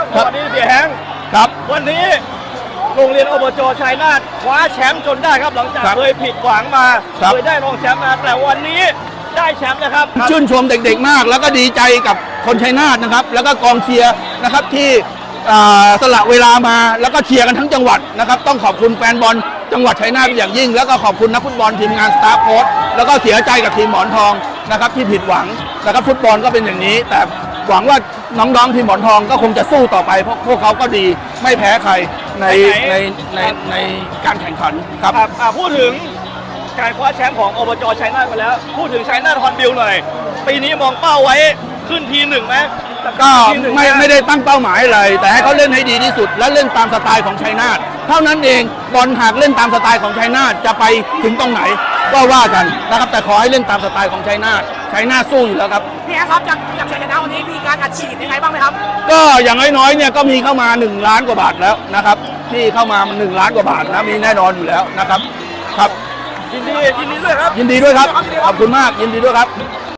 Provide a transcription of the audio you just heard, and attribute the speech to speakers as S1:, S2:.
S1: สวัสดีเสียแฮงครับวันนี้โรงเรียนอบจชัยนาทคว้าแชมป์จนได้ครับหลังจากเคยผิดหวังมาเคยได้รองแชมป์มาแต่วันนี้ได้แชมป์นะครับ
S2: ชื่นชมเด็กๆมากแล้วก็ดีใจกับคนชัยนาทนะครับแล้วก็กองเชียร์นะครับที่สละเวลามาแล้วก็เชียร์กันทั้งจังหวัดนะครับต้องขอบคุณแฟนบอลจังหวัดชัยนาทเป็นอย่างยิ่งแล้วก็ขอบคุณนักฟุตบอลทีมงานสตาฟโค้ชแล้วก็เสียใจกับทีมหมอนทองนะครับที่ผิดหวังนะครับฟุตบอลก็เป็นอย่างนี้แต่หวังว่าน้องๆทีมหมอนทองก็คงจะสู้ต่อไปเพราะพวกเขาก็ดีไม่แพ้ใครในการแข่งขันครับ
S1: พูดถึงการคว้าแชมป์ของอบจชัยนาทมาแล้วพูดถึงชัยนาทฮอนบิลหน่อยปีนี้มองเป้าไว้ขึ้นทีหนึ่งไหม
S2: ก็ไม่ได้ตั้งเป้าหมายอะไรแต่ให้เขาเล่นให้ดีที่สุดและเล่นตามสไตล์ของชัยนาทเท่านั้นเองบอลหากเล่นตามสไตล์ของชัยนาทจะไปถึงตรงไหนก็ว่ากันนะครับแต่ขอให้เล่นตามสไตล์ของชัยนาทสู้อยู่แล้วครับ
S3: พี่แอ๊ครับจากชัยชนะวันนี้มีการอัดฉีดยังไงบ้างไหมครับ
S2: ก็อย่างน้อยๆเนี่ยก็มีเข้ามา1 ล้านกว่าบาทแล้วนะครับที่เข้ามา1 ล้านกว่าบาทนะมีแน่นอนอยู่แล้วนะครับครับ
S1: ยินดีด้วยครับ
S2: ยินดีด้วยครับขอบคุณมากยินดีด้วยครับ